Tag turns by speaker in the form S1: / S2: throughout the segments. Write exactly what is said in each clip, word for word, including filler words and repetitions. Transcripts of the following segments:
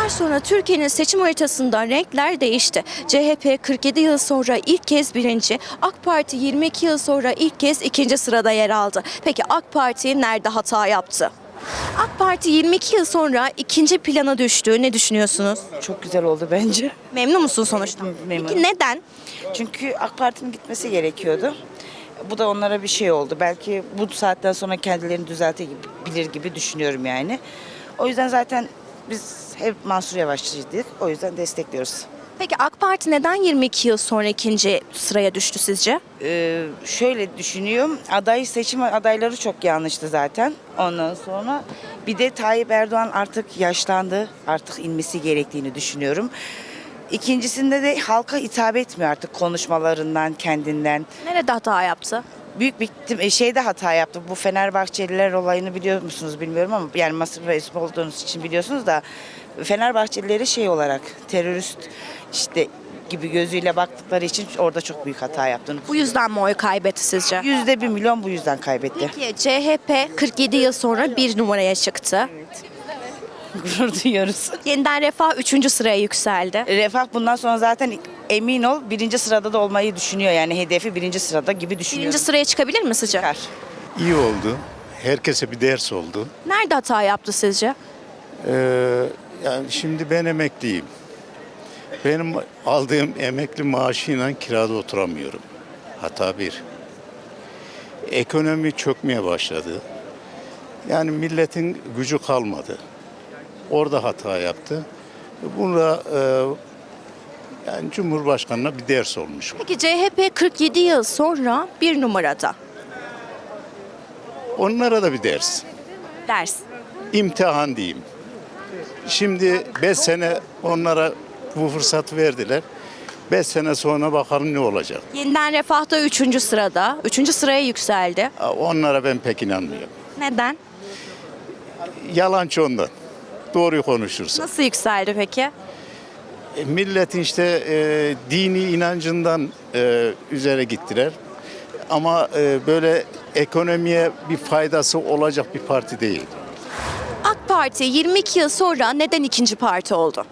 S1: sonra Türkiye'nin seçim haritasında renkler değişti. C H P kırk yedi yıl sonra ilk kez birinci, AK Parti yirmi iki yıl sonra ilk kez ikinci sırada yer aldı. Peki AK Parti nerede hata yaptı? AK Parti yirmi iki yıl sonra ikinci plana düştü. Ne düşünüyorsunuz?
S2: Çok güzel oldu bence.
S1: Memnun musun sonuçta?
S2: Memnunum.
S1: Peki neden?
S2: Çünkü AK Parti'nin gitmesi gerekiyordu. Bu da onlara bir şey oldu. Belki bu saatten sonra kendilerini düzeltebilir gibi düşünüyorum yani. O yüzden zaten biz hep Mansur Yavaşçıydık. O yüzden destekliyoruz.
S1: Peki AK Parti neden yirmi iki yıl sonra ikinci sıraya düştü sizce?
S2: Ee, şöyle düşünüyorum. Aday seçim adayları çok yanlıştı zaten. Ondan sonra bir de Tayyip Erdoğan artık yaşlandı. Artık inmesi gerektiğini düşünüyorum. İkincisinde de halka hitap etmiyor artık konuşmalarından, kendinden.
S1: Nerede hata yaptı?
S2: Büyük bir şeyde hata yaptı. Bu Fenerbahçeliler olayını biliyor musunuz bilmiyorum ama yani Masır Reis olduğunuz için biliyorsunuz da Fenerbahçelileri şey olarak terörist işte gibi gözüyle baktıkları için orada çok büyük hata yaptığını.
S1: Bu yüzden mi oy kaybetti sizce?
S2: Yüzde bir milyon bu yüzden kaybetti.
S1: Peki C H P kırk yedi yıl sonra bir numaraya çıktı.
S2: Gurur duyuyoruz.
S1: Yeniden Refah üçüncü sıraya yükseldi.
S2: Refah bundan sonra zaten emin ol birinci sırada da olmayı düşünüyor. Yani hedefi birinci sırada gibi düşünüyorum.
S1: Birinci sıraya çıkabilir mi sizce?
S2: Çıkar.
S3: İyi oldu. Herkese bir ders oldu.
S1: Nerede hata yaptı sizce?
S3: Ee, yani şimdi ben emekliyim. Benim aldığım emekli maaşıyla kirada oturamıyorum. Hata bir. Ekonomi çökmeye başladı. Yani milletin gücü kalmadı. Orada hata yaptı. Bunda e, yani Cumhurbaşkanı'na bir ders olmuş.
S1: Peki C H P kırk yedi yıl sonra bir numarada.
S3: Onlara da bir ders.
S1: Ders.
S3: İmtihan diyeyim. Şimdi beş sene onlara bu fırsat verdiler. beş sene sonra bakalım ne olacak.
S1: Yeniden Refah da üçüncü sırada. üçüncü sıraya yükseldi.
S3: Onlara ben pek inanmıyorum.
S1: Neden?
S3: Yalancı ondan. Doğruyu konuşursa.
S1: Nasıl yükseldi peki?
S3: E, milletin işte e, dini inancından e, üzere gittiler. Ama e, böyle ekonomiye bir faydası olacak bir parti değil.
S1: AK Parti yirmi iki yıl sonra neden ikinci parti oldu?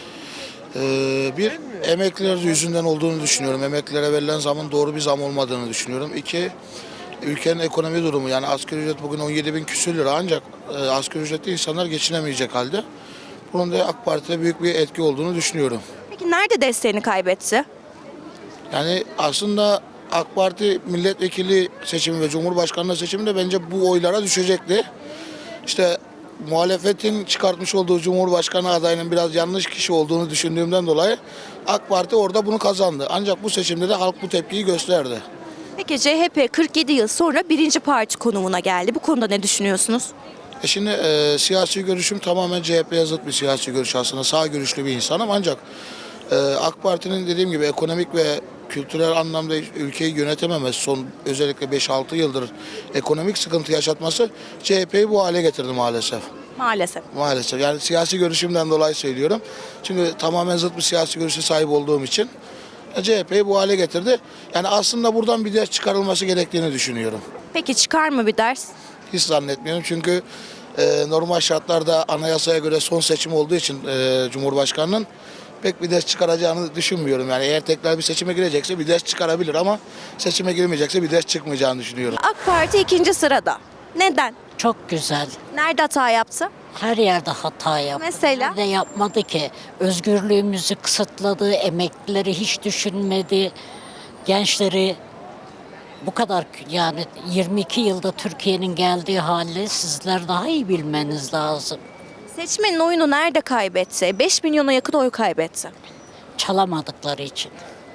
S4: Ee, bir, emekliler yüzünden olduğunu düşünüyorum. Emeklilere verilen zamın doğru bir zam olmadığını düşünüyorum. İki, ülkenin ekonomi durumu. Yani asgari ücret bugün on yedi bin küsür lira ancak e, asgari ücretli insanlar geçinemeyecek halde. Bunun da AK Parti'de büyük bir etki olduğunu düşünüyorum.
S1: Peki nerede desteğini kaybetti?
S4: Yani aslında AK Parti milletvekili seçimi ve cumhurbaşkanlığı seçiminde bence bu oylara düşecekti. İşte muhalefetin çıkartmış olduğu Cumhurbaşkanı adayının biraz yanlış kişi olduğunu düşündüğümden dolayı AK Parti orada bunu kazandı. Ancak bu seçimde de halk bu tepkiyi gösterdi.
S1: Peki C H P kırk yedi yıl sonra birinci parti konumuna geldi. Bu konuda ne düşünüyorsunuz?
S4: E şimdi e, siyasi görüşüm tamamen C H P'ye zıt bir siyasi görüş aslında. Sağ görüşlü bir insanım ancak e, AK Parti'nin dediğim gibi ekonomik ve kültürel anlamda ülkeyi yönetememesi, son özellikle beş altı yıldır ekonomik sıkıntı yaşatması C H P'yi bu hale getirdi maalesef.
S1: Maalesef.
S4: Maalesef. Yani siyasi görüşümden dolayı söylüyorum. Çünkü tamamen zıt bir siyasi görüşe sahip olduğum için C H P'yi bu hale getirdi. Yani aslında buradan bir ders çıkarılması gerektiğini düşünüyorum.
S1: Peki çıkar mı bir ders?
S4: Hiç zannetmiyorum çünkü e, normal şartlarda anayasaya göre son seçim olduğu için e, Cumhurbaşkanı'nın pek bir ders çıkaracağını düşünmüyorum. Yani eğer tekrar bir seçime girecekse bir ders çıkarabilir ama seçime girmeyecekse bir ders çıkmayacağını düşünüyorum.
S1: AK Parti ikinci sırada. Neden?
S5: Çok güzel.
S1: Nerede hata yaptı?
S5: Her yerde hata yaptı.
S1: Mesela?
S5: Ne yapmadı ki? Özgürlüğümüzü kısıtladı, emeklileri hiç düşünmedi, gençleri bu kadar yani yirmi iki yılda Türkiye'nin geldiği hali sizler daha iyi bilmeniz lazım.
S1: Seçmenin oyunu nerede kaybetti? beş milyona yakın oy kaybetti.
S5: Çalamadıkları için.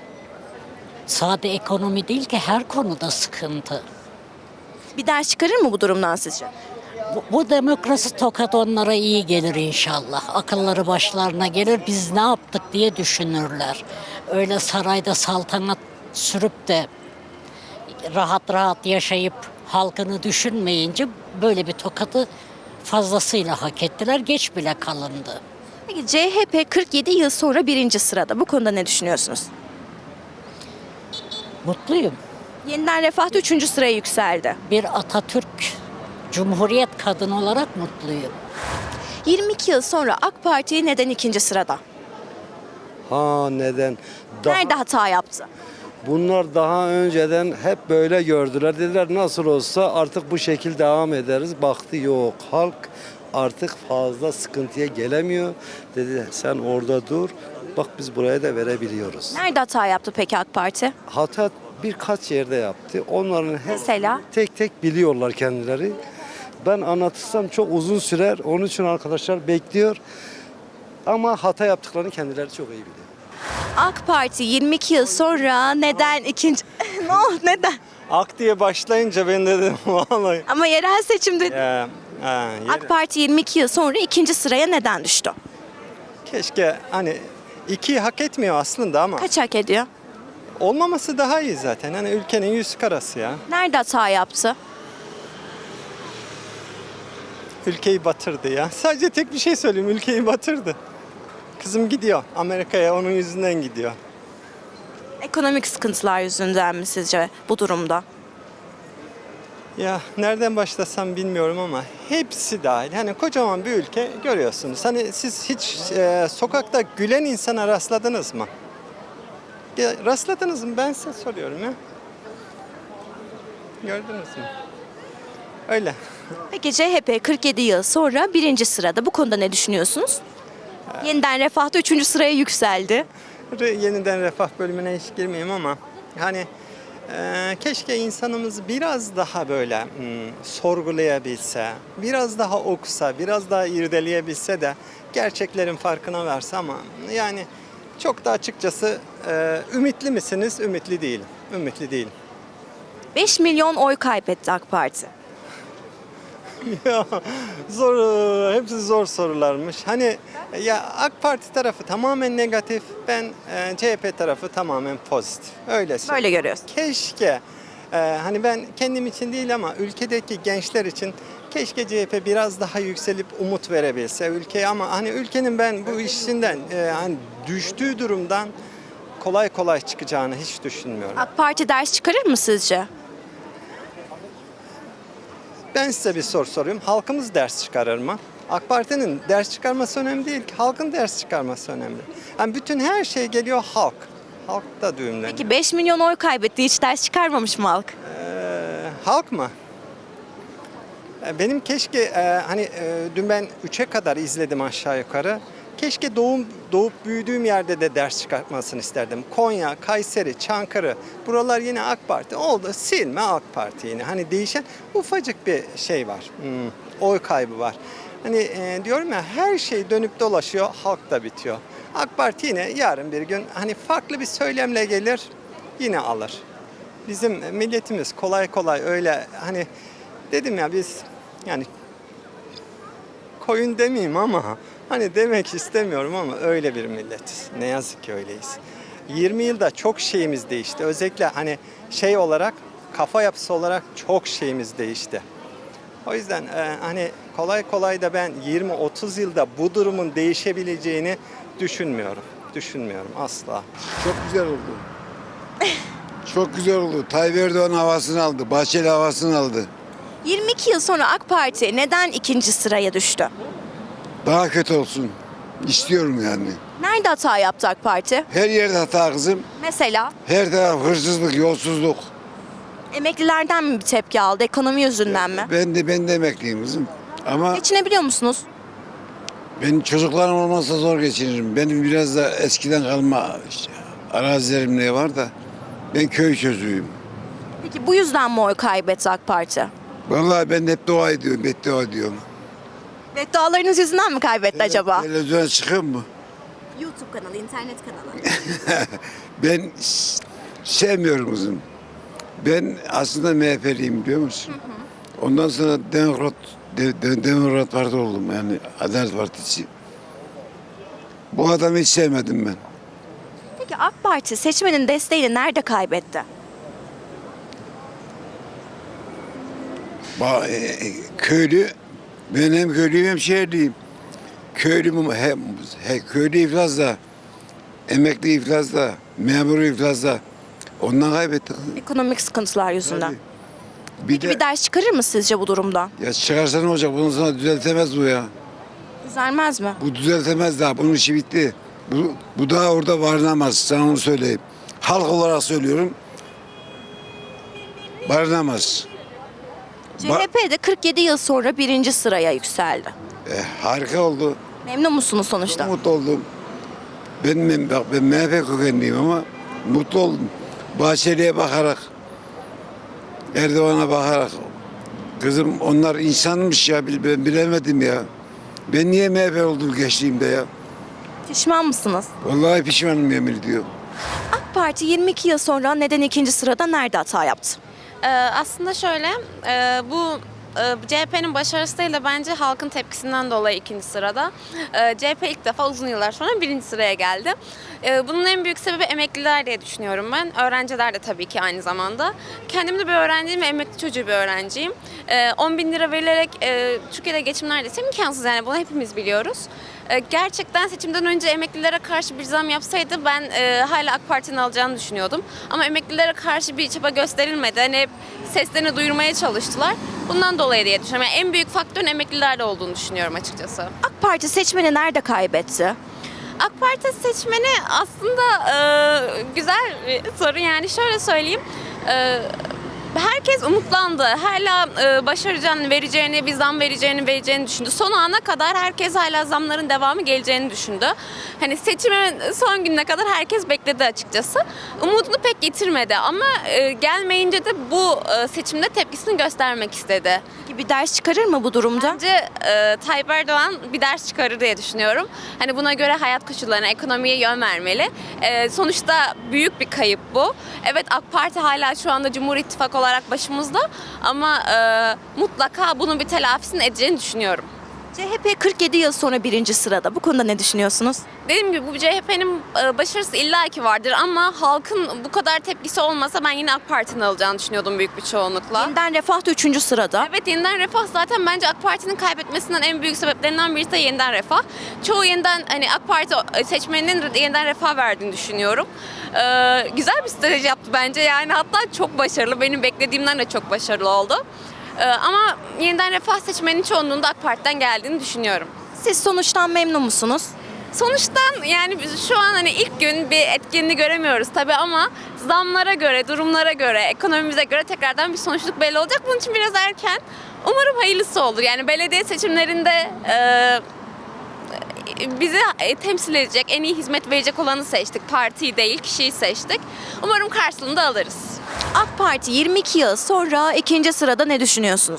S5: Sade ekonomi değil ki her konuda sıkıntı.
S1: Bir ders çıkarır mı bu durumdan sizce?
S5: Bu, bu demokrasi tokat onlara iyi gelir inşallah. Akılları başlarına gelir, biz ne yaptık diye düşünürler. Öyle sarayda saltanat sürüp de rahat rahat yaşayıp halkını düşünmeyince böyle bir tokatı fazlasıyla hak ettiler. Geç bile kalındı.
S1: Peki C H P kırk yedi yıl sonra birinci sırada. Bu konuda ne düşünüyorsunuz?
S5: Mutluyum.
S1: Yeniden Refah da üçüncü sıraya yükseldi.
S5: Bir Atatürk Cumhuriyet kadını olarak mutluyum.
S1: yirmi iki yıl sonra AK Parti neden ikinci sırada?
S6: Ha neden? Daha,
S1: Nerede hata yaptı?
S6: bunlar daha önceden hep böyle gördüler. Dediler nasıl olsa artık bu şekil devam ederiz. Baktı yok. Halk artık fazla sıkıntıya gelemiyor. Dedi sen orada dur. Bak biz buraya da verebiliyoruz.
S1: Nerede hata yaptı peki AK Parti?
S6: Hata birkaç yerde yaptı. Onların hep
S1: Mesela?
S6: tek tek biliyorlar kendileri. Ben anlatırsam çok uzun sürer. Onun için arkadaşlar bekliyor. Ama hata yaptıklarını kendileri çok iyi biliyor.
S1: AK Parti yirmi iki yıl sonra neden ikinci... ne oldu neden?
S7: Ak diye başlayınca ben dedim vallahi.
S1: Ama yerel seçimde
S7: Ya, ha, yere-
S1: AK Parti yirmi iki yıl sonra ikinci sıraya neden düştü?
S7: Keşke hani ikiyi hak etmiyor aslında ama
S1: Kaç hak ediyor?
S7: olmaması daha iyi zaten. Hani ülkenin yüz karası ya.
S1: Nerede hata yaptı?
S7: Ülkeyi batırdı ya. Sadece tek bir şey söyleyeyim, ülkeyi batırdı. Kızım gidiyor Amerika'ya, onun yüzünden gidiyor.
S1: Ekonomik sıkıntılar yüzünden mi sizce bu durumda?
S7: Ya nereden başlasam bilmiyorum ama hepsi dahil. Hani kocaman bir ülke görüyorsunuz. Hani siz hiç e, sokakta gülen insana rastladınız mı? Ya, rastladınız mı? Ben size soruyorum ya. Gördünüz mü? Öyle.
S1: Peki C H P kırk yedi yıl sonra birinci sırada. Bu konuda ne düşünüyorsunuz? Yeniden Refah'ta üçüncü sıraya yükseldi.
S7: Re- Yeniden refah bölümüne hiç girmeyeyim ama hani e, keşke insanımız biraz daha böyle hmm, sorgulayabilse, biraz daha okusa, biraz daha irdeleyebilse de gerçeklerin farkına varsa ama yani çok da açıkçası e, ümitli misiniz? Ümitli değilim. Ümitli değilim.
S1: beş milyon oy kaybetti AK Parti.
S7: Ya zor, hepsi zor sorularmış. Hani ya AK Parti tarafı tamamen negatif, ben e, C H P tarafı tamamen pozitif. Öyle söyleyeyim.
S1: Böyle görüyorsun.
S7: Keşke e, hani ben kendim için değil ama ülkedeki gençler için keşke C H P biraz daha yükselip umut verebilse ülkeye ama hani ülkenin ben bu işinden e, hani düştüğü durumdan kolay kolay çıkacağını hiç düşünmüyorum.
S1: AK Parti ders çıkarır mı sizce?
S7: Ben size bir soru soruyorum. Halkımız ders çıkarır mı? AK Parti'nin ders çıkarması önemli değil ki. Halkın ders çıkarması önemli. Yani bütün her şey geliyor halk. Halk da düğümleniyor.
S1: Peki beş milyon oy kaybetti. Hiç ders çıkarmamış mı halk?
S7: Ee, halk mı? Ee, Benim keşke e, hani e, dün ben üçe kadar izledim aşağı yukarı. Keşke doğum doğup büyüdüğüm yerde de ders çıkartmasını isterdim. Konya, Kayseri, Çankırı buralar yine AK Parti oldu. Silme AK Parti yine. Hani değişen ufacık bir şey var. Hmm, oy kaybı var. Hani e, diyorum ya her şey dönüp dolaşıyor, halk da bitiyor. AK Parti yine yarın bir gün hani farklı bir söylemle gelir, yine alır. Bizim milletimiz kolay kolay öyle hani dedim ya biz yani koyun demeyeyim ama hani demek istemiyorum ama öyle bir milletiz. Ne yazık ki öyleyiz. yirmi yılda çok şeyimiz değişti. Özellikle hani şey olarak kafa yapısı olarak çok şeyimiz değişti. O yüzden e, hani kolay kolay da ben yirmi otuz yılda bu durumun değişebileceğini düşünmüyorum. Düşünmüyorum asla.
S8: Çok güzel oldu. Çok güzel oldu. Tayyip Erdoğan havasını aldı. Bahçeli havasını aldı.
S1: yirmi iki yıl sonra AK Parti neden ikinci sıraya düştü?
S8: Daha kötü olsun. İstiyorum yani.
S1: Nerede hata yaptı AK Parti?
S8: Her yerde hata kızım.
S1: Mesela
S8: Her taraf hırsızlık, yolsuzluk.
S1: emeklilerden mi bir tepki aldı? Ekonomi yüzünden mi?
S8: Ben de ben de emekliyim kızım. Ama
S1: Geçinebiliyor musunuz?
S8: benim çocuklarım olmazsa zor geçinirim. Benim biraz da eskiden kalma işte, arazilerim ne var da ben köy çocuğuyum.
S1: Peki bu yüzden mi oy kaybetti AK Parti?
S8: Vallahi ben hep dua ediyorum, beddua ediyorum.
S1: Beddualarınız yüzünden mi kaybetti acaba?
S8: Televizyona çıkıyor mu?
S1: YouTube kanalı, internet kanalı.
S8: Ben s- sevmiyorum kızım. Ben aslında M H P'liyim biliyor musun? Ondan sonra Demokrat de, de- Demokrat Parti oldum yani Adalet Partisi. Bu adamı hiç sevmedim ben.
S1: Peki AK Parti seçmenin desteğini nerede kaybetti?
S8: Ba- e, e, köylü, ben hem köylüyüm hem şehirliyim. Köylü mü- hem he, köylü iflasda, emekli iflasda, memur iflasda. Ondan kaybettik.
S1: Ekonomik sıkıntılar yüzünden.
S8: Tabii. Bir
S1: Peki
S8: de
S1: bir ders çıkarır mı sizce bu durumda?
S8: ya çıkarsa ne olacak? Bundan sonra düzeltemez bu ya.
S1: Düzelmez mi?
S8: Bu düzeltemez daha. Bunun işi bitti. Bu, bu daha orada varınamaz. Sana onu söyleyeyim. Halk olarak söylüyorum. Varınamaz.
S1: C H P de kırk yedi yıl sonra birinci sıraya yükseldi.
S8: E, harika oldu.
S1: Memnun musunuz sonuçta?
S8: Mutlu oldum. Ben, bak ben M H P kökenliyim ama mutlu oldum. Bahçeli'ye bakarak, Erdoğan'a bakarak. Kızım onlar insanmış ya ben bilemedim ya. Ben niye M H P oldum gençliğimde ya?
S1: Pişman mısınız?
S8: Vallahi pişmanım yemin ediyorum.
S1: AK Parti yirmi iki yıl sonra neden ikinci sırada nerede hata yaptı?
S9: Ee, aslında şöyle, e, bu e, C H P'nin başarısı değil de bence halkın tepkisinden dolayı ikinci sırada. E, C H P ilk defa uzun yıllar sonra birinci sıraya geldi. E, bunun en büyük sebebi emekliler diye düşünüyorum ben. Öğrenciler de tabii ki aynı zamanda. Kendim de bir öğrenciyim ve emekli çocuğu bir öğrenciyim. E, on bin lira verilerek e, Türkiye'de geçim neredeyse imkansız, yani bunu hepimiz biliyoruz. E, gerçekten seçimden önce emeklilere karşı bir zam yapsaydı ben e, hala AK Parti'nin alacağını düşünüyordum. Ama emeklilere karşı bir çaba gösterilmedi. Hani hep seslerini duyurmaya çalıştılar. Bundan dolayı diye düşünüyorum. Yani en büyük faktörün emeklilerde olduğunu düşünüyorum açıkçası.
S1: AK Parti seçmeni nerede kaybetti?
S9: AK Parti seçmeni aslında e, güzel bir soru. Yani şöyle söyleyeyim. E, Herkes umutlandı. Hala e, başaracağını, vereceğini, bir zam vereceğini, vereceğini düşündü. Son ana kadar herkes hala zamların devamı geleceğini düşündü. Hani seçimin son gününe kadar herkes bekledi açıkçası. Umudunu pek getirmedi ama e, gelmeyince de bu e, seçimde tepkisini göstermek istedi.
S1: Peki bir ders çıkarır mı bu durumda?
S9: Bence e, Tayyip Erdoğan bir ders çıkarır diye düşünüyorum. Hani buna göre hayat koşullarına, ekonomiye yön vermeli. E, sonuçta büyük bir kayıp bu. Evet, AK Parti hala şu anda Cumhur İttifakı olarak başımızda ama e, mutlaka bunun bir telafisini edeceğini düşünüyorum.
S1: C H P kırk yedi yıl sonra birinci sırada. Bu konuda ne düşünüyorsunuz?
S9: Dediğim gibi bu C H P'nin e, başarısı illaki vardır ama halkın bu kadar tepkisi olmasa ben yine AK Parti'nin alacağını düşünüyordum büyük bir çoğunlukla.
S1: Yeniden Refah da üçüncü sırada.
S9: Evet, Yeniden Refah zaten bence AK Parti'nin kaybetmesinden en büyük sebeplerinden birisi de Yeniden Refah. Çoğu yeniden hani AK Parti seçmeninin Yeniden Refah verdiğini düşünüyorum. Ee, güzel bir strateji yaptı bence, yani hatta çok başarılı, benim beklediğimden de çok başarılı oldu. Ee, ama Yeniden Refah seçmenin çoğunluğunda AK Parti'den geldiğini düşünüyorum.
S1: Siz sonuçtan memnun musunuz?
S9: Sonuçtan yani biz şu an hani ilk gün bir etkinliğini göremiyoruz tabii ama zamlara göre, durumlara göre, ekonomimize göre tekrardan bir sonuçluk belli olacak. Bunun için biraz erken. Umarım hayırlısı olur. Yani belediye seçimlerinde e, bizi temsil edecek, en iyi hizmet verecek olanı seçtik. Partiyi değil, kişiyi seçtik. Umarım karşılığını da alırız.
S1: AK Parti yirmi iki yıl sonra ikinci sırada ne düşünüyorsunuz?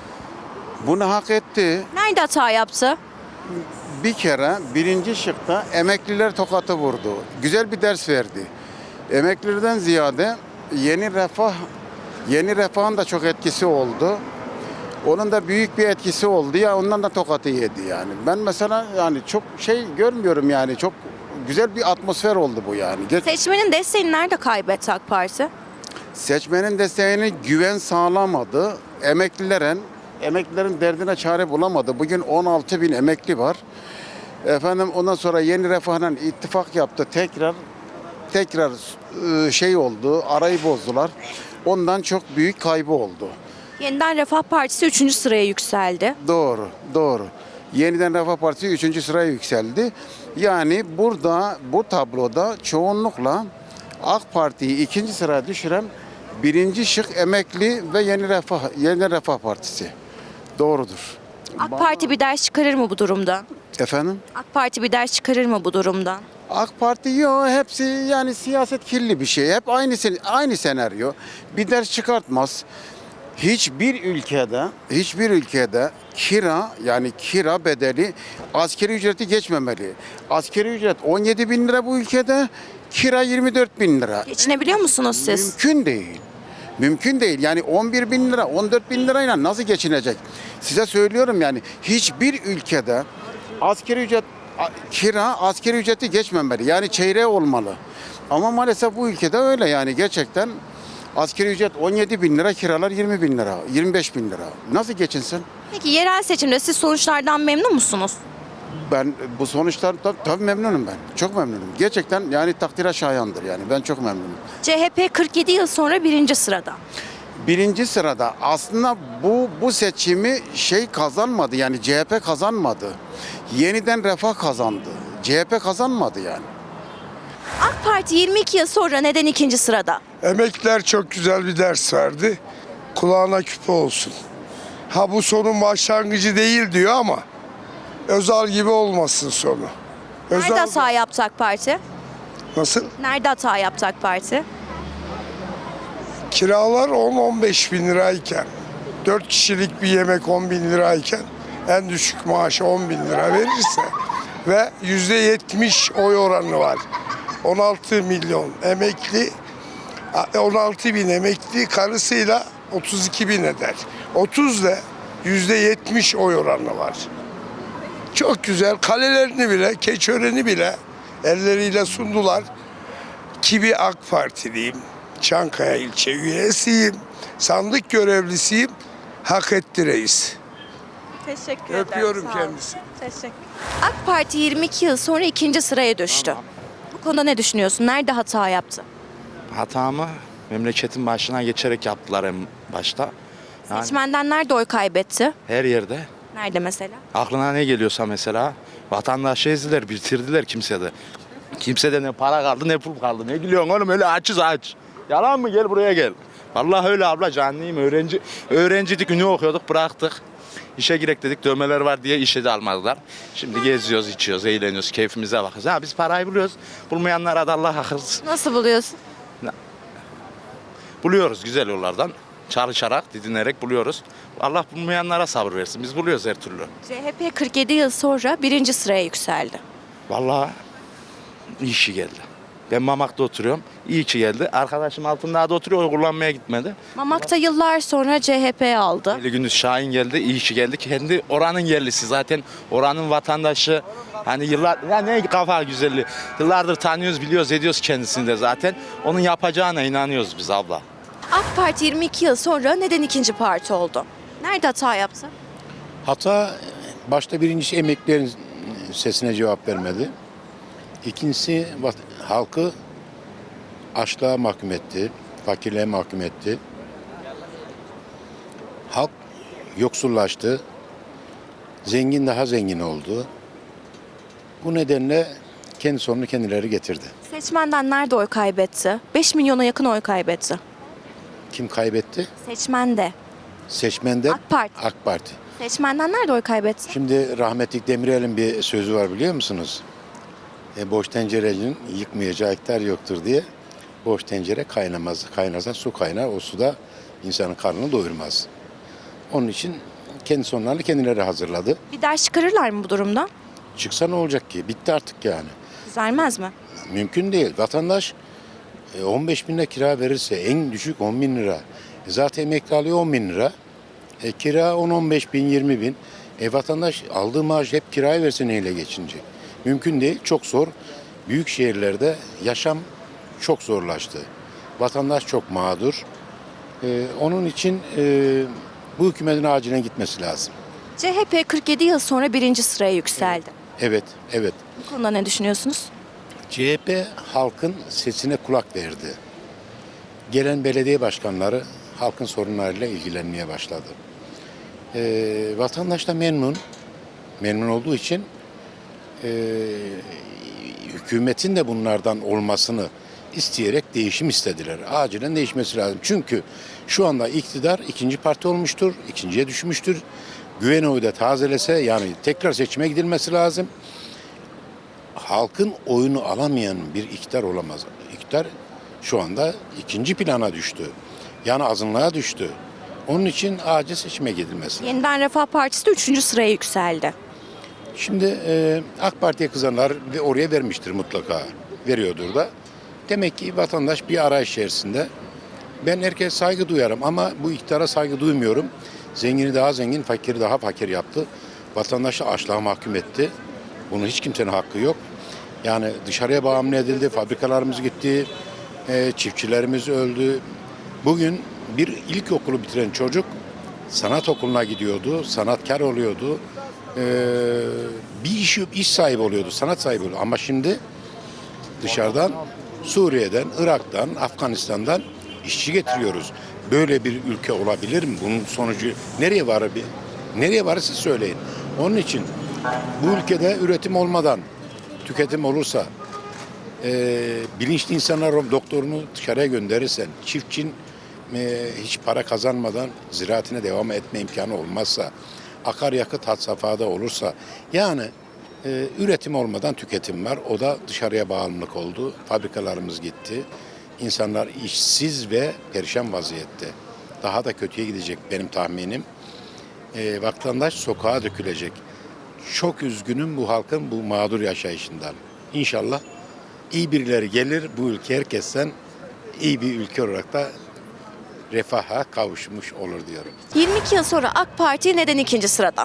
S10: Bunu hak etti.
S1: Nerede hata yaptı?
S10: Bir kere birinci şıkta emekliler tokatı vurdu. Güzel bir ders verdi. Emeklilerden ziyade yeni refah, yeni refahın da çok etkisi oldu. Onun da büyük bir etkisi oldu ya, ondan da tokatı yedi yani. Ben mesela yani çok şey görmüyorum yani, çok güzel bir atmosfer oldu bu yani. Geç,
S1: Seçmenin desteğini nerede kaybetti AK Parti?
S10: seçmenin desteğine güven sağlamadı. Emeklilerin Emeklilerin derdine çare bulamadı. Bugün on altı bin emekli var. Efendim ondan sonra Yeni Refah'la ittifak yaptı. Tekrar tekrar şey oldu. Arayı bozdular. Ondan çok büyük kaybı oldu.
S1: Yeniden Refah Partisi üçüncü sıraya yükseldi.
S10: Doğru, doğru. Yeniden Refah Partisi üçüncü sıraya yükseldi. Yani burada bu tabloda çoğunlukla AK Parti'yi ikinci sıraya düşüren birinci şık emekli ve Yeni Refah, Yeni Refah Partisi. Doğrudur.
S1: AK Parti bir ders çıkarır mı bu durumda?
S10: Efendim?
S1: AK Parti bir ders çıkarır mı bu durumdan?
S10: AK Parti yok, hepsi yani siyaset kirli bir şey. Hep aynı aynı senaryo. Bir ders çıkartmaz. Hiçbir ülkede, hiçbir ülkede kira yani kira bedeli asgari ücreti geçmemeli. Asgari ücret on yedi bin lira bu ülkede, kira yirmi dört bin lira.
S1: Geçinebiliyor musunuz siz?
S10: Mümkün değil. Mümkün değil. Yani on bir bin lira, on dört bin lirayla nasıl geçinecek? Size söylüyorum yani hiçbir ülkede asgari ücret, kira asgari ücreti geçmemeli. Yani çeyreği olmalı. Ama maalesef bu ülkede öyle yani gerçekten asgari ücret on yedi bin lira, kiralar yirmi bin lira, yirmi beş bin lira. Nasıl geçinsin?
S1: Peki yerel seçimde siz sonuçlardan memnun musunuz?
S10: Ben bu sonuçlar tabii, tabii memnunum ben. Çok memnunum. Gerçekten yani takdire şayandır yani. Ben çok memnunum.
S1: C H P kırk yedi yıl sonra birinci sırada.
S10: birinci sırada. Aslında bu bu seçimi şey kazanmadı, yani C H P kazanmadı. Yeniden Refah kazandı. C H P kazanmadı yani.
S1: AK Parti yirmi iki yıl sonra neden ikinci sırada?
S11: Emekliler çok güzel bir ders verdi. Kulağına küpe olsun. Ha bu sonun başlangıcı değil diyor ama Özal gibi olmasın sonu.
S1: Nerede
S11: Özal
S1: hata yaptı AK Parti?
S11: nasıl?
S1: Nerede hata yaptı AK Parti?
S11: Kiralar on on beş bin lirayken, dört kişilik bir yemek on bin lirayken en düşük maaşı on bin lira verirse ve yüzde yetmiş oy oranı var. on altı milyon emekli, on altı bin emekli karısıyla otuz iki bin eder. otuz ile yüzde yetmiş oy oranı var. Çok güzel. Kalelerini bile, Keçiören'i bile elleriyle sundular. Ki bir AK Partiliyim. Çankaya ilçe üyesiyim. Sandık görevlisiyim. Hak etti reis.
S1: Teşekkür
S11: Öpüyorum kendisini.
S1: Teşekkür. AK Parti yirmi iki yıl sonra ikinci sıraya düştü. Bu konuda ne düşünüyorsun? Nerede hata yaptı?
S12: Hatamı memleketin başına geçerek yaptılar en başta. Yani
S1: Seçmenden nerede oy kaybetti?
S12: her yerde.
S1: Nerede mesela?
S12: Aklına ne geliyorsa mesela vatandaşı ezdiler, bitirdiler kimsede. Kimsede ne para kaldı ne pul kaldı. Ne gülüyorsun oğlum, öyle açız aç. Yalan mı? Gel buraya gel. Vallahi öyle abla, canlıyım. Öğrenci, öğrenciydik, ünlü okuyorduk, bıraktık. İşe girek dedik, dövmeler var diye işe de almadılar. Şimdi geziyoruz, içiyoruz, eğleniyoruz, keyfimize bakıyoruz. Ha, biz parayı buluyoruz. Bulmayanlara da Allah akıl.
S1: Nasıl buluyorsun?
S12: Buluyoruz güzel yollardan. Çalışarak, didinerek buluyoruz. Allah bulmayanlara sabır versin. Biz buluyoruz her türlü.
S1: C H P kırk yedi yıl sonra birinci sıraya yükseldi.
S12: Vallahi iyi işi geldi. Ben Mamak'ta oturuyorum. İyi ki geldi. Arkadaşım Altındağ'da oturuyor, oy kullanmaya gitmedi.
S1: Mamak'ta yıllar sonra C H P aldı.
S12: Ali Gündüz Şahin geldi, iyi ki geldi. Kendi oranın yerlisi zaten. Oranın vatandaşı. Hani yıllar, ya ne kafa güzelliği. Yıllardır tanıyoruz, biliyoruz, ediyoruz kendisini de zaten. Onun yapacağına inanıyoruz biz abla.
S1: AK Parti yirmi iki yıl sonra neden ikinci parti oldu? Nerede hata yaptı?
S3: Hata başta birincisi emeklilerin sesine cevap vermedi. İkincisi vat- halkı açlığa mahkum etti, fakirliğe mahkum etti. Halk yoksullaştı, zengin daha zengin oldu. Bu nedenle kendi sonunu kendileri getirdi.
S1: Seçmenden nerede oy kaybetti? beş milyona yakın oy kaybetti.
S3: Kim kaybetti?
S1: Seçmende.
S3: Seçmenden
S1: AK Parti.
S3: AK Parti.
S1: Seçmenden nerede oy kaybetti?
S3: Şimdi rahmetli Demirel'in bir sözü var, biliyor musunuz? E, boş tencerenin yıkmayacağı hektar yoktur diye. Boş tencere kaynamaz. Kaynasa su kaynar. O suda insanın karnını doyurmaz. Onun için kendi sonlarını kendileri hazırladı.
S1: Bir ders çıkarırlar mı bu durumda?
S3: Çıksa ne olacak ki? Bitti artık yani.
S1: Düzelmez mi?
S3: Mümkün değil. Vatandaş e, on beş bin lira kira verirse en düşük on bin lira. E, zaten emekli alıyor on bin lira. E, kira on on beş bin, yirmi bin. E, vatandaş aldığı maaş hep kiraya verse neyle geçinecek? Mümkün değil. Çok zor. Büyük şehirlerde yaşam çok zorlaştı. Vatandaş çok mağdur. E, onun için e, bu hükümetin acilen gitmesi lazım.
S1: C H P kırk yedi yıl sonra birinci sıraya yükseldi.
S3: Evet, evet.
S1: Bu konuda ne düşünüyorsunuz?
S3: C H P halkın sesine kulak verdi. Gelen belediye başkanları halkın sorunlarıyla ilgilenmeye başladı. Ee, vatandaş da memnun. Memnun olduğu için e, hükümetin de bunlardan olmasını isteyerek değişim istediler. Acilen değişmesi lazım. Çünkü şu anda iktidar ikinci parti olmuştur, ikinciye düşmüştür. Güven oyu da tazelese, yani tekrar seçime gidilmesi lazım. Halkın oyunu alamayan bir iktidar olamaz. İktidar şu anda ikinci plana düştü. Yani azınlığa düştü. Onun için acil seçime gidilmesi lazım.
S1: Yeniden Refah Partisi de üçüncü sıraya yükseldi.
S3: Şimdi e, AK Parti'ye kızanlar ve oraya vermiştir mutlaka. Veriyordur da. Demek ki vatandaş bir arayış içerisinde. Ben herkese saygı duyarım ama bu iktidara saygı duymuyorum. Zengini daha zengin, fakiri daha fakir yaptı. Vatandaşı açlığa mahkum etti. Bunun hiç kimsenin hakkı yok. Yani dışarıya bağımlı edildi, fabrikalarımız gitti, e, çiftçilerimiz öldü. Bugün bir ilkokulu bitiren çocuk sanat okuluna gidiyordu, sanatkar oluyordu. E, bir iş, iş sahibi oluyordu, sanat sahibi oluyordu. Ama şimdi dışarıdan, Suriye'den, Irak'tan, Afganistan'dan işçi getiriyoruz. Böyle bir ülke olabilir mi? Bunun sonucu nereye varır bir? Nereye varır siz söyleyin. Onun için bu ülkede üretim olmadan tüketim olursa, e, bilinçli insanlar doktorunu dışarıya gönderirsen, çiftçinin e, hiç para kazanmadan ziraatine devam etme imkanı olmazsa, akaryakıt had safhada olursa, yani e, üretim olmadan tüketim var. O da dışarıya bağımlılık oldu. Fabrikalarımız gitti. İnsanlar işsiz ve perişan vaziyette. Daha da kötüye gidecek benim tahminim. E, vatandaş sokağa dökülecek. Çok üzgünüm bu halkın bu mağdur yaşayışından. İnşallah iyi birileri gelir, bu ülke herkesten iyi bir ülke olarak da refaha kavuşmuş olur diyorum.
S1: yirmi iki yıl sonra AK Parti neden ikinci sırada?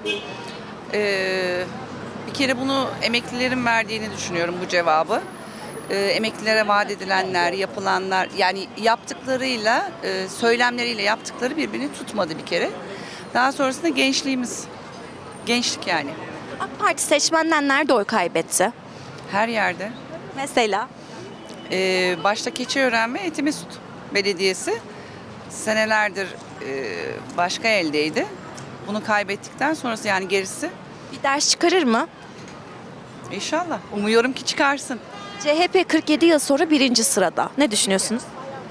S13: Ee, bir kere bunu emeklilerin verdiğini düşünüyorum bu cevabı. Ee, emeklilere vaat edilenler, yapılanlar, yani yaptıklarıyla, e, söylemleriyle yaptıkları birbirini tutmadı bir kere. Daha sonrasında gençliğimiz, gençlik yani
S1: AK Parti seçmenden nerede oy kaybetti?
S13: her yerde.
S1: Mesela?
S13: Ee, başta Keçiören ve Etimesut Belediyesi senelerdir e, başka eldeydi. Bunu kaybettikten sonrası, yani gerisi
S1: Bir ders çıkarır mı?
S13: inşallah. Umuyorum ki çıkarsın.
S1: C H P kırk yedi yıl sonra birinci sırada. Ne düşünüyorsunuz?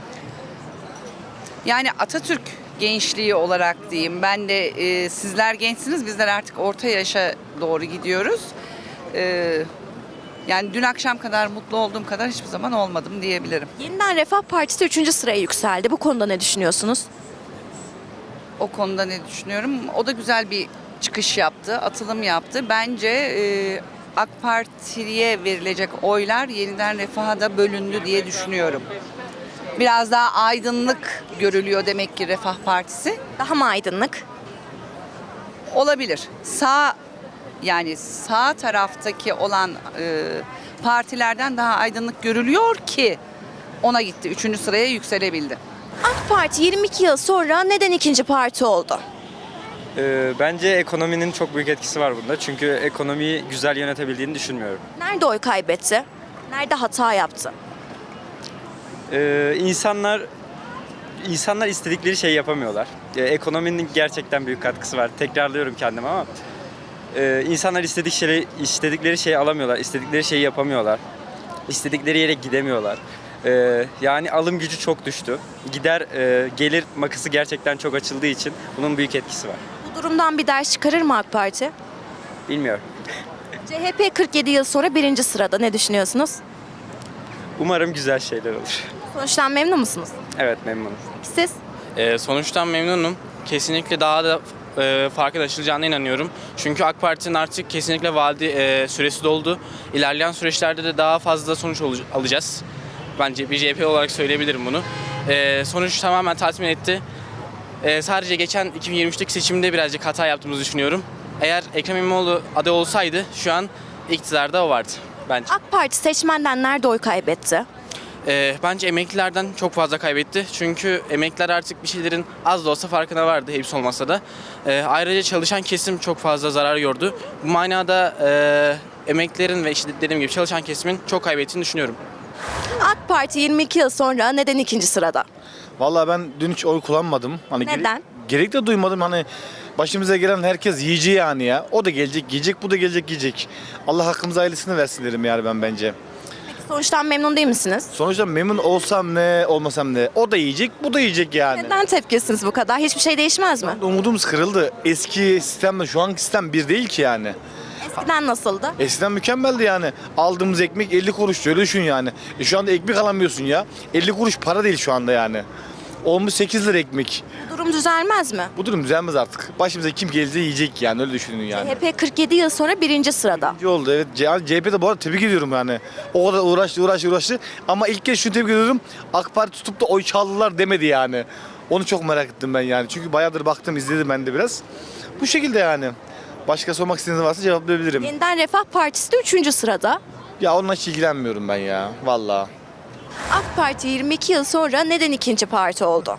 S13: Yani Atatürk gençliği olarak diyeyim. Ben de e, sizler gençsiniz, bizler artık orta yaşa doğru gidiyoruz. E, yani dün akşam kadar mutlu olduğum kadar hiçbir zaman olmadım diyebilirim.
S1: Yeniden Refah Partisi üçüncü sıraya yükseldi. Bu konuda ne düşünüyorsunuz?
S13: O konuda ne düşünüyorum? O da güzel bir çıkış yaptı, atılım yaptı. Bence e, AK Parti'ye verilecek oylar yeniden Refah'a da bölündü diye düşünüyorum. Biraz daha aydınlık görülüyor demek ki Refah Partisi.
S1: Daha mı aydınlık?
S13: Olabilir. Sağ, yani sağ taraftaki olan e, partilerden daha aydınlık görülüyor ki ona gitti. Üçüncü sıraya yükselebildi.
S1: AK Parti yirmi iki yıl sonra neden ikinci parti oldu?
S14: Ee, bence ekonominin çok büyük etkisi var bunda. Çünkü ekonomiyi güzel yönetebildiğini düşünmüyorum.
S1: Nerede oy kaybetti? Nerede hata yaptı?
S14: Ee, insanlar insanlar istedikleri şeyi yapamıyorlar. Ee, ekonominin gerçekten büyük katkısı var. Tekrarlıyorum kendimi ama e, insanlar istedik şeyi, istedikleri şeyi alamıyorlar, istedikleri şeyi yapamıyorlar, istedikleri yere gidemiyorlar. Ee, yani alım gücü çok düştü. Gider e, gelir makası gerçekten çok açıldığı için bunun büyük etkisi var.
S1: Bu durumdan bir ders çıkarır mı AK Parti?
S14: Bilmiyorum.
S1: C H P kırk yedi yıl sonra birinci sırada. Ne düşünüyorsunuz?
S14: Umarım güzel şeyler olur.
S1: Sonuçtan memnun musunuz?
S14: Evet, memnunum.
S1: Siz?
S15: Ee, sonuçtan memnunum. Kesinlikle daha da e, farklılaşılacağına inanıyorum. Çünkü AK Parti'nin artık kesinlikle vaadi e, süresi doldu. İlerleyen süreçlerde de daha fazla sonuç ol- alacağız. Bence bir C H P olarak söyleyebilirim bunu. E, sonuç tamamen tatmin etti. E, sadece geçen iki bin yirmi üçteki seçimde birazcık hata yaptığımızı düşünüyorum. Eğer Ekrem İmamoğlu aday olsaydı şu an iktidarda o vardı bence.
S1: AK Parti seçmenden nerede oy kaybetti?
S15: Ee, bence emeklilerden çok fazla kaybetti. Çünkü emekliler artık bir şeylerin az da olsa farkına vardı, hepsi olmasa da. Ee, ayrıca çalışan kesim çok fazla zarar gördü. Bu manada e, emeklilerin ve işte dediğim gibi çalışan kesimin çok kaybettiğini düşünüyorum.
S1: AK Parti yirmi iki yıl sonra neden ikinci sırada?
S12: Vallahi ben dün hiç oy kullanmadım. Hani gere-
S1: Neden?
S12: gerek de duymadım. Hani başımıza gelen herkes yiyici yani ya. O da gelecek yiyecek, bu da gelecek yiyecek. Allah hakkımıza hayırlısını versin derim yani ben bence.
S1: Peki sonuçtan memnun değil misiniz?
S12: Sonuçta memnun olsam ne, olmasam ne. O da yiyecek, bu da yiyecek yani.
S1: Neden tepkisiniz bu kadar? Hiçbir şey değişmez mi?
S12: Umudumuz kırıldı. Eski sistemle şu anki sistem bir değil ki yani.
S1: Eskiden nasıldı?
S12: Eskiden mükemmeldi yani. Aldığımız ekmek elli kuruş, öyle düşün yani. E şu anda ekmek alamıyorsun ya. elli kuruş para değil şu anda yani. Olmuş sekiz lira ekmek.
S1: Bu durum düzelmez mi?
S12: Bu durum düzelmez artık. Başımıza kim gelirse yiyecek yani, öyle düşünün yani.
S1: C H P kırk yedi yıl sonra birinci sırada.
S12: İyi oldu evet. C H P'de bu arada tebrik ediyorum yani. O kadar uğraştı uğraştı uğraştı. Ama ilk kez şunu tebrik ediyorum. AK Parti tutup da oy çaldılar demedi yani. Onu çok merak ettim ben yani. Çünkü bayağıdır baktım, izledim ben de biraz. Bu şekilde yani. Başka sormak istediğiniz varsa cevaplayabilirim.
S1: Yeniden Refah Partisi de üçüncü sırada.
S12: Ya onunla hiç ilgilenmiyorum ben ya. Vallahi.
S1: AK Parti yirmi iki yıl sonra neden ikinci parti oldu?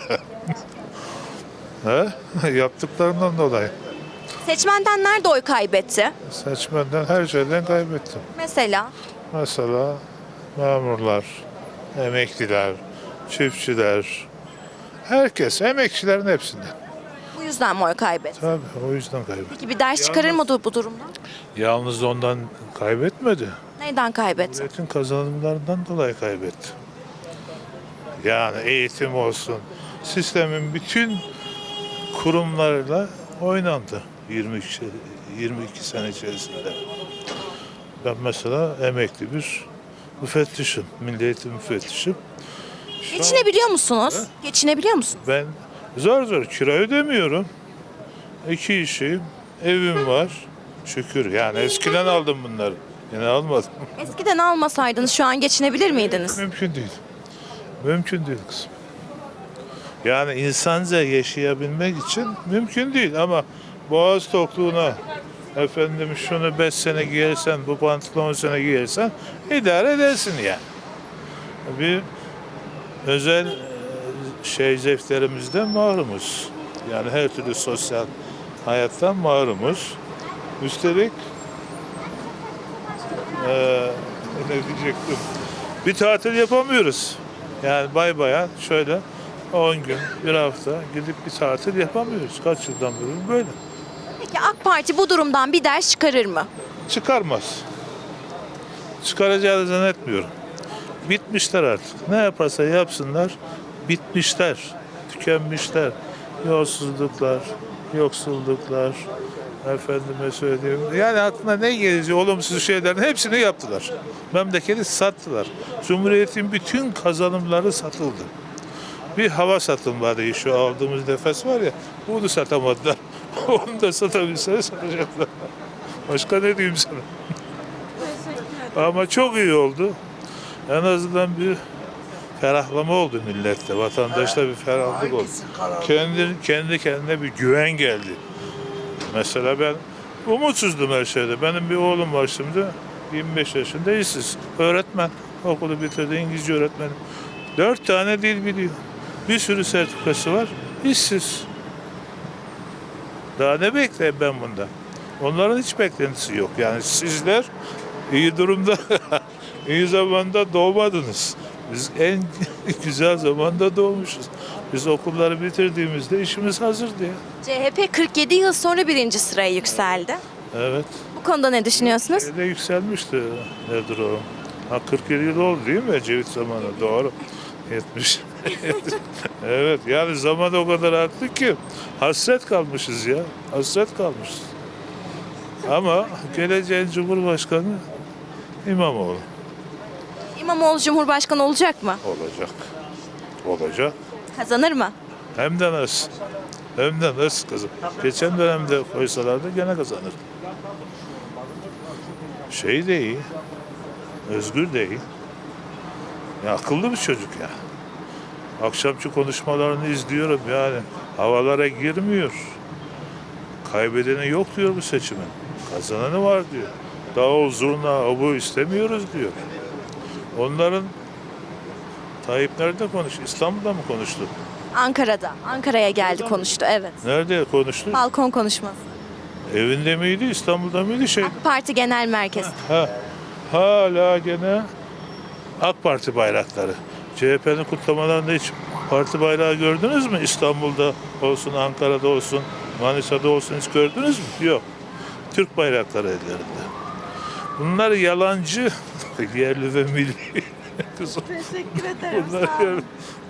S16: He? Yaptıklarından dolayı.
S1: Seçmenden nerede oy kaybetti?
S16: Seçmenden her şeyden kaybettim.
S1: Mesela?
S16: Mesela memurlar, emekliler, çiftçiler, Herkes, emekçilerin hepsinden.
S1: Bu yüzden mi oy kaybetti?
S16: Tabii o yüzden kaybetti.
S1: Peki bir ders çıkarır mı bu durumdan?
S16: Yalnız ondan kaybetmedi.
S1: Neyden kaybetti?
S16: Devletin kazanımlarından dolayı kaybetti. Yani eğitim olsun, sistemin bütün kurumlarıyla oynandı yirmi iki, yirmi iki sene içerisinde. Ben mesela emekli bir müfettişim, milli eğitim müfettişim. Şu an
S1: Geçinebiliyor musunuz? Geçinebiliyor musunuz?
S16: ben zor zor kira ödemiyorum. İki işim, evim var. Şükür yani eskiden aldım bunları. Yine almadım.
S1: Eskiden almasaydınız şu an geçinebilir miydiniz?
S16: Mümkün değil. Mümkün değil kızım. Yani insanca yaşayabilmek için mümkün değil ama boğaz tokluğuna efendim şunu beş sene giyersen, bu pantolonu on sene giyersen idare edersin yani. Bir özel e, şey zevklerimizden mahrumuz. Yani her türlü sosyal hayattan mahrumuz. Üstelik e, ne diyecektim? Bir tatil yapamıyoruz. Yani bay bayan şöyle on gün, bir hafta gidip bir tatil yapamıyoruz. Kaç yıldan beri böyle.
S1: Peki AK Parti bu durumdan bir ders çıkarır mı?
S16: Çıkarmaz. Çıkaracağını zannetmiyorum. Bitmişler artık. Ne yaparsa yapsınlar bitmişler. Tükenmişler. Yolsuzluklar, yoksulluklar, efendime söyleyeyim. Yani aklına ne gelince olumsuz şeylerin hepsini yaptılar. Memleketi sattılar. Cumhuriyetin bütün kazanımları satıldı. Bir hava satılmadı. Şu aldığımız nefes var ya, bunu satamadılar. Onu da satabilseler satacaklar. Başka ne diyeyim sana? Ama çok iyi oldu. En azından bir ferahlama oldu millette. Vatandaşta bir ferahlık oldu. Kendi, kendi kendine bir güven geldi. Mesela ben umutsuzdum her şeyde. Benim bir oğlum var şimdi. yirmi beş yaşında işsiz. Öğretmen. Okulu bitirdi. İngilizce öğretmeni. Dört tane dil biliyor. Bir sürü sertifikası var. İşsiz. Daha ne bekleyeyim ben bundan? Onların hiç beklentisi yok. Yani sizler iyi durumda, iyi zamanda doğmadınız. Biz en güzel zamanda doğmuşuz. Biz okulları bitirdiğimizde işimiz hazırdı ya.
S1: C H P kırk yedi yıl sonra birinci sıraya yükseldi.
S16: Evet.
S1: Bu konuda ne düşünüyorsunuz?
S16: Şeyde yükselmişti. Nedir o? Ha kırk yedi yıl oldu değil mi Ecevit zamanı? Doğru. yetmiş. Evet yani zaman o kadar arttı ki hasret kalmışız ya. Hasret kalmışız. Ama geleceğin Cumhurbaşkanı İmamoğlu.
S1: İmamoğlu Cumhurbaşkanı olacak mı?
S16: Olacak. Olacak.
S1: Kazanır mı?
S16: Hem de nasıl? Hem de nasıl kızım? Geçen dönemde koysalardı gene kazanır. Şey de iyi. Özgür de iyi. Ya akıllı bir çocuk ya. Akşamki konuşmalarını izliyorum yani. Havalara girmiyor. Kaybedeni yok diyor bu seçimin. Kazananı var diyor. Davul, zurna, bu istemiyoruz diyor. Onların Tayyip nerede konuştu? İstanbul'da mı konuştu?
S1: Ankara'da. Ankara'ya geldi konuştu evet.
S16: Nerede konuştu?
S1: Balkon konuşması.
S16: Evinde miydi, İstanbul'da mıydı şey?
S1: AK Parti Genel Merkezi.
S16: Ha, hala gene AK Parti bayrakları. C H P'nin kutlamalarında hiç parti bayrağı gördünüz mü? İstanbul'da olsun, Ankara'da olsun, Manisa'da olsun hiç gördünüz mü? Yok. Türk bayrakları ellerinde. Bunlar yalancı, yerli ve milli. Teşekkür ederim. Bunlar